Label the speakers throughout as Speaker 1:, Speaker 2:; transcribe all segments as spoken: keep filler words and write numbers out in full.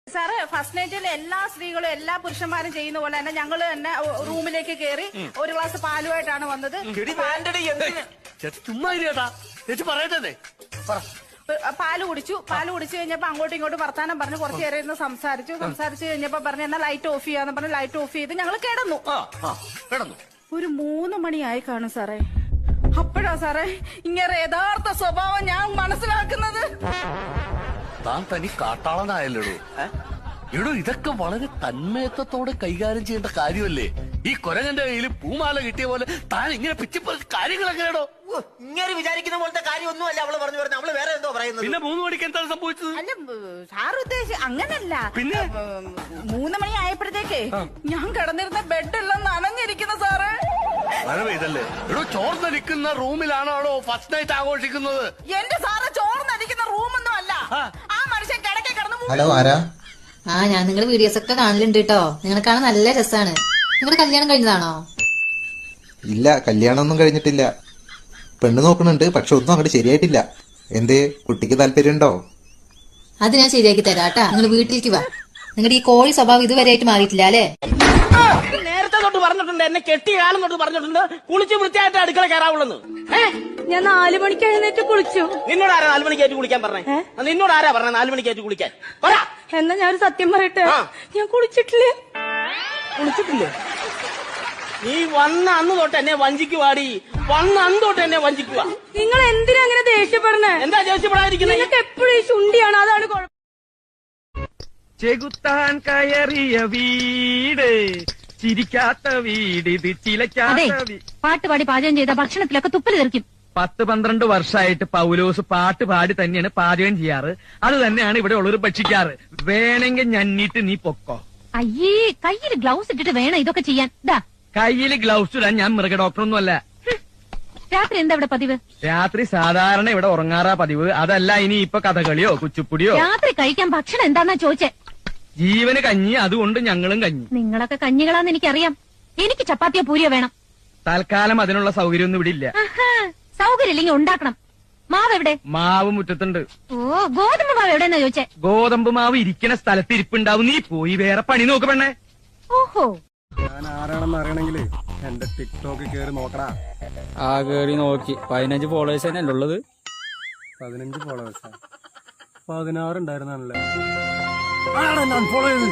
Speaker 1: Sir first നൈറ്റിൽ എല്ലാ സ്ത്രീകളും എല്ലാ പുരുഷന്മാരും ചെയ്യുന്ന പോലെ തന്നെ ഞങ്ങൾ തന്നെ റൂമിലേക്ക് കയറി ഒരു ഗ്ലാസ് പാലുമായിട്ടാണ് വന്നത്. പാല് കുടിച്ചു. പാല് കുടിച്ചു കഴിഞ്ഞപ്പോ അങ്ങോട്ടും ഇങ്ങോട്ടും വർത്താനം പറഞ്ഞു കുറച്ചു നേരം ഇരുന്ന് സംസാരിച്ചു. സംസാരിച്ചു കഴിഞ്ഞപ്പോ പറഞ്ഞു എന്നാ ലൈറ്റ് ഓഫ് ചെയ്യാന്ന് പറഞ്ഞു ലൈറ്റ് ഓഫ് ചെയ്ത് ഞങ്ങൾ കിടന്നു. ഒരു മൂന്ന് മണിയായി കാണും സാറേ. അപ്പോഴാ സാറേ ഇങ്ങനെ യഥാർത്ഥ സ്വഭാവം ഞാൻ മനസ്സിലാക്കുന്നത്.
Speaker 2: താൻ തനി കാട്ടാളനായല്ലോ. എടോ ഇതൊക്കെ വളരെ തന്മയത്വത്തോടെ കൈകാര്യം ചെയ്യേണ്ട കാര്യമല്ലേ? ഈ കൊരങ്ങന്റെ കയ്യിൽ പൂമാല കിട്ടിയ പോലെ താൻ ഇങ്ങനെ പിച്ചിപ്പോ കാര്യങ്ങൾ എങ്ങനെയാണോ?
Speaker 3: ഇങ്ങനെ വിചാരിക്കുന്ന പോലത്തെ കാര്യമൊന്നും അല്ല അവള് പറഞ്ഞു പറഞ്ഞു. അവള് വേറെ എന്തോ പറയുന്നത്.
Speaker 2: പിന്നെ മൂന്ന് മണിക്ക് എന്താണ് സംഭവിച്ചത്?
Speaker 1: അല്ല സാർ ഉദ്ദേശിച്ച അങ്ങനല്ല.
Speaker 2: പിന്നെ
Speaker 1: മൂന്ന് മണി ആയപ്പോഴത്തേക്ക് ഞാൻ കിടന്നിരുന്ന ബെഡെല്ലാം നനഞ്ഞിരിക്കുന്ന സാറ്.
Speaker 2: മഴ പെയ്തല്ലേ? എടോ ചോർന്നടിക്കുന്ന റൂമിലാണോ ഫസ്റ്റ് നൈറ്റ് ആഘോഷിക്കുന്നത്?
Speaker 1: എന്റെ സാറ് ചോർന്നടിക്കുന്ന റൂമൊന്നും അല്ല. ആ മനുഷ്യൻ കിടക്കെ കിടന്നു.
Speaker 4: ഹലോ ആരാ?
Speaker 5: ആ ഞാൻ നിങ്ങളുടെ വീഡിയോസ് ഒക്കെ കാണലുണ്ട് കേട്ടോ. നിങ്ങളെ കാണാൻ നല്ല രസമാണ്. നിങ്ങളുടെ കല്യാണം കഴിഞ്ഞതാണോ?
Speaker 4: ഇല്ല, കല്യാണമൊന്നും കഴിഞ്ഞിട്ടില്ല. പെണ്ണ് നോക്കണുണ്ട്, പക്ഷെ ഒന്നും അങ്ങോട്ട് ശരിയായിട്ടില്ല. എന്തേ, കുട്ടിക്ക് താല്പര്യമുണ്ടോ?
Speaker 5: അത് ഞാൻ ശരിയാക്കി തരാം കേട്ടാ. നിങ്ങൾ വീട്ടിലേക്ക് വാ. നിങ്ങളുടെ ഈ കോഴി സ്വഭാവം ഇതുവരെയായിട്ട് മാറിയിട്ടില്ല അല്ലേ?
Speaker 3: നേരത്തെ തൊട്ട് പറഞ്ഞിട്ടുണ്ട്, എന്നെ കെട്ടിയ കാലം തൊട്ട് പറഞ്ഞിട്ടുണ്ട് കുളിച്ച് വൃത്തിയായിട്ട് അടുക്കള കയറാവുള്ളൂ.
Speaker 1: ഞാൻ നാലു മണിക്ക് എഴുന്നേറ്റ് കുളിച്ചു.
Speaker 3: നിന്നോട് ആരാ നാലു മണിക്കായിട്ട് കുളിക്കാൻ പറഞ്ഞേ? നിന്നോട് ആരാ പറഞ്ഞ നാലു മണിക്കായിട്ട് കുളിക്കാൻ?
Speaker 1: എന്നാ ഞാൻ സത്യം പറയട്ടെ, ഞാൻ കുളിച്ചിട്ടില്ല.
Speaker 3: കുളിച്ചിട്ടില്ലേ? നീ വന്ന അന്ന് തൊട്ട് എന്നെ വഞ്ചിക്കുവാടി. വന്ന അന്ന് തൊട്ട് എന്നെ വഞ്ചിക്കുക.
Speaker 1: നിങ്ങൾ എന്തിനാ അങ്ങനെ ദേഷ്യപ്പെടണേ?
Speaker 3: എന്താ ദേഷ്യപ്പെടാതിരിക്കുന്നത്?
Speaker 1: നിങ്ങൾക്ക് എപ്പോഴും ഈ ശുണ്ടിയാണ്, അതാണ് കുഴപ്പം.
Speaker 6: ചെകുത്താൻ കയറിയ വീട് ചിരിക്കാത്ത വീട് ഇത് ചിലക്കാത്ത.
Speaker 7: പാട്ട് പാടി പാചകം ചെയ്ത ഭക്ഷണത്തിലൊക്കെ തുപ്പല് തെറിക്കും.
Speaker 6: പത്ത് പന്ത്രണ്ട് വർഷമായിട്ട് പൗലോസ് പാട്ട് പാടി തന്നെയാണ് പാചകം ചെയ്യാറ്. അത് തന്നെയാണ് ഇവിടെ ഉള്ളവർ ഭക്ഷിക്കാറ്. വേണമെങ്കിൽ ഞന്നിട്ട് നീ പൊക്കോ.
Speaker 7: അയ്യേ, കയ്യിൽ ഗ്ലൗസ് ഇട്ടിട്ട് വേണം ഇതൊക്കെ ചെയ്യാൻ. ദാ
Speaker 6: കയ്യിൽ ഗ്ലൗസ് ഇടാൻ ഞാൻ മൃഗ ഡോക്ടറൊന്നും അല്ല.
Speaker 7: രാത്രി എന്താ ഇവിടെ പതിവ്?
Speaker 6: രാത്രി സാധാരണ ഇവിടെ ഉറങ്ങാറാ പതിവ്. അതല്ല ഇനി ഇപ്പൊ കഥകളിയോ കുച്ചുപ്പുടിയോ.
Speaker 7: രാത്രി കഴിക്കാൻ ഭക്ഷണം എന്താന്നാ ചോദിച്ചേ?
Speaker 6: ജീവന് കഞ്ഞി, അതുകൊണ്ട് ഞങ്ങളും കഞ്ഞി.
Speaker 7: നിങ്ങളൊക്കെ കഞ്ഞികളാന്ന് എനിക്കറിയാം. എനിക്ക് ചപ്പാത്തിയോ പൂരിയോ വേണം.
Speaker 6: തൽക്കാലം അതിനുള്ള സൗകര്യമൊന്നും ഇവിടെ ഇല്ല.
Speaker 7: സൗകര്യം ഇല്ലെങ്കിൽ ഉണ്ടാക്കണം. മാവ് എവിടെ?
Speaker 6: മാവ് മുറ്റത്തുണ്ട്.
Speaker 7: ഓ, ഗോതമ്പ് മാവ് എവിടെന്നാ ചോദിച്ചേ?
Speaker 6: ഗോതമ്പ് മാവ് ഇരിക്കുന്ന സ്ഥലത്ത് ഇരിപ്പുണ്ടാവും. നീ പോയി വേറെ പണി നോക്ക് പെണ്ണേ.
Speaker 7: ഓഹോ,
Speaker 8: ഞാൻ ആരാണെന്ന് അറിയണമെങ്കിലേ എന്റെ ടിക്ടോക്ക് കേറി നോക്കടാ.
Speaker 9: ആ കേറി നോക്കി. പതിനഞ്ച് ഫോളോവേഴ്സ് തന്നെ അല്ലേ ഉള്ളത്?
Speaker 8: പതിനഞ്ച് ഫോളോവേഴ്സാ? പതിനാറ് ഉണ്ടായിരുന്നാണല്ലേ. ആരാടാ ഞാൻ ഫോളോ ചെയ്ത്?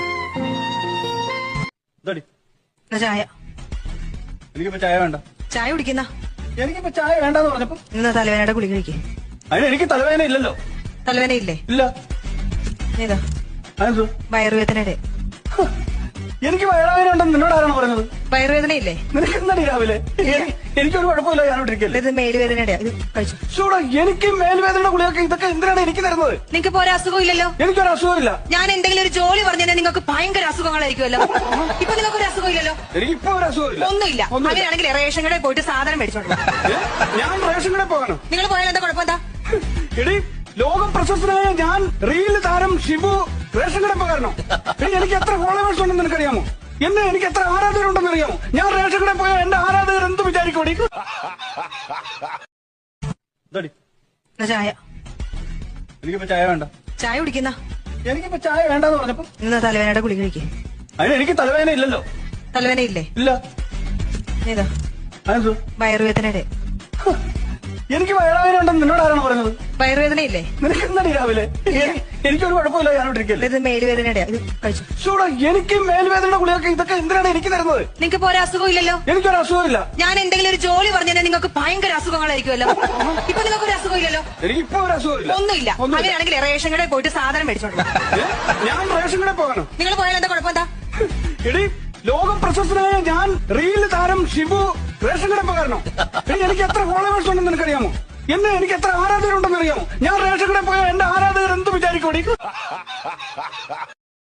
Speaker 1: ചായ.
Speaker 8: എനിക്കിപ്പോ ചായ വേണ്ട.
Speaker 1: ചായ കുടിക്കുന്ന?
Speaker 8: എനിക്കിപ്പോ ചായ വേണ്ടെന്ന് പറഞ്ഞപ്പോ
Speaker 1: ഇന്ന് തലവേനയുടെ ഗുളിക കഴിക്കേ.
Speaker 8: അതിന് എനിക്ക് തലവേദന ഇല്ലല്ലോ.
Speaker 1: തലവേന ഇല്ലേ?
Speaker 8: ഇല്ല.
Speaker 1: ഏതാ?
Speaker 8: അതെന്തോ?
Speaker 1: വയറുവേദനയുടെ.
Speaker 8: എനിക്ക് വയറുവേദന ഉണ്ടെന്ന് നിന്നോട് ആരാണ് പറഞ്ഞത്?
Speaker 1: വയറുവേദന ഇല്ലേ?
Speaker 8: നിനക്ക് എന്താടി രാവിലെ? എനിക്കൊരു കുഴപ്പമില്ല, ഞാനോട്ടിരിക്കല്ലേ.
Speaker 1: ഇത് മേലുവേദനയുടെ. ഇത് കഴിച്ചു.
Speaker 8: ചൂടാ, എനിക്ക് മേൽവേദനയുടെ ഗുളിയൊക്കെ ഇതൊക്കെ എന്തിനാണ് എനിക്ക് തരുന്നത്?
Speaker 1: നിങ്ങൾക്ക് ഇപ്പൊ ഒരു അസുഖം ഇല്ലല്ലോ.
Speaker 8: എനിക്കൊരു അസുഖമില്ല.
Speaker 1: ഞാൻ എന്തെങ്കിലും ഒരു ജോലി പറഞ്ഞാൽ നിങ്ങൾക്ക് ഭയങ്കര അസുഖങ്ങളായിരിക്കുമല്ലോ. ഇപ്പൊ നിങ്ങൾക്ക് ഒരു അസുഖം ഇല്ലല്ലോ.
Speaker 8: എനിക്ക് ഇപ്പൊ ഒരു അസുഖമില്ല.
Speaker 1: ഒന്നുമില്ല. അങ്ങനെയാണെങ്കിൽ റേഷൻ കടയിൽ പോയിട്ട് സാധനം മേടിച്ചോണ്ട് വാ.
Speaker 8: ഞാൻ റേഷൻ കടയിൽ പോകണം.
Speaker 1: നിങ്ങൾ പോയാൽ എന്താ കുഴപ്പം? എന്താ
Speaker 8: എടി, ലോകം പ്രശസ്തനായ ഞാൻ റീൽ താരം ഷിബു റേഷൻ കടയിൽ പോകാരണോ? എനിക്ക് എത്ര ഫോളോവേഴ്സ് ഉണ്ടെന്ന് നിനക്കറിയാമോ? എന്നെ എനിക്ക് എത്ര ആരാധകരുണ്ടെന്ന് അറിയാമോ? ഞാൻ റേഷൻ കടയിൽ പോയാൽ എന്റെ ആരാധകർ എന്ത് വിചാരിക്കൂടി?
Speaker 1: ചായ.
Speaker 8: എനിക്കിപ്പോ ചായ വേണ്ട.
Speaker 1: ചായ കുടിക്കുന്ന?
Speaker 8: എനിക്കിപ്പോ ചായ വേണ്ടെന്ന് പറഞ്ഞപ്പോ
Speaker 1: ഇന്ന് തലവേനയുടെ ഗുളിക കഴിക്കേ.
Speaker 8: അതിന് എനിക്ക് തലവേദന ഇല്ലല്ലോ.
Speaker 1: തലവേന ഇല്ലേ?
Speaker 8: ഇല്ല.
Speaker 1: ഏതാ?
Speaker 8: അതെന്തോ?
Speaker 1: വയറുവേദനയുടെ.
Speaker 8: എനിക്ക് വയറുവേദന ഉണ്ടെന്ന് നിന്നോട് ആരാണ് പറഞ്ഞത്?
Speaker 1: വയറുവേദന ഇല്ലേ?
Speaker 8: നിനക്ക് എന്താടി രാവിലെ? എനിക്കൊരു കുഴപ്പമില്ല, ഞാനോട്ടിരിക്കല്ലേ.
Speaker 1: ഇത് മേലുവേദനയുടെ. ഇത് കഴിച്ചു.
Speaker 8: ചൂടാ, എനിക്ക് മേൽവേദനയുടെ ഗുളിയൊക്കെ ഇതൊക്കെ എന്തിനാണ് എനിക്ക് തരുന്നത്?
Speaker 1: നിങ്ങൾക്ക് ഇപ്പൊ ഒരു അസുഖം ഇല്ലല്ലോ.
Speaker 8: എനിക്കൊരു അസുഖമില്ല.
Speaker 1: ഞാൻ എന്തെങ്കിലും ഒരു ജോലി പറഞ്ഞാൽ നിങ്ങൾക്ക് ഭയങ്കര അസുഖങ്ങളായിരിക്കുമല്ലോ. ഇപ്പൊ നിങ്ങൾക്ക് ഒരു അസുഖം ഇല്ലല്ലോ.
Speaker 8: എനിക്ക് ഇപ്പൊ ഒരു അസുഖമില്ല.
Speaker 1: ഒന്നുമില്ല. അങ്ങനെയാണെങ്കിൽ റേഷൻ കടയിൽ പോയിട്ട് സാധനം മേടിച്ചോണ്ട് വാ.
Speaker 8: ഞാൻ റേഷൻ കടയിൽ പോകണം.
Speaker 1: നിങ്ങൾ പോയാൽ എന്താ കുഴപ്പം? എന്താ
Speaker 8: എടി, ലോകം പ്രശസ്തനായ ഞാൻ റീൽ താരം ഷിബു റേഷൻ കടയിൽ പോകാരണോ? എനിക്ക് എത്ര ഫോളോവേഴ്സ് ഉണ്ടെന്ന് നിനക്കറിയാമോ? എന്നെ എനിക്ക് എത്ര ആരാധകരുണ്ടെന്ന് അറിയാമോ? ഞാൻ റേഷൻ കടയിൽ പോയാൽ എന്റെ ആരാധകർ എന്ത് വിചാരിക്കൂടി?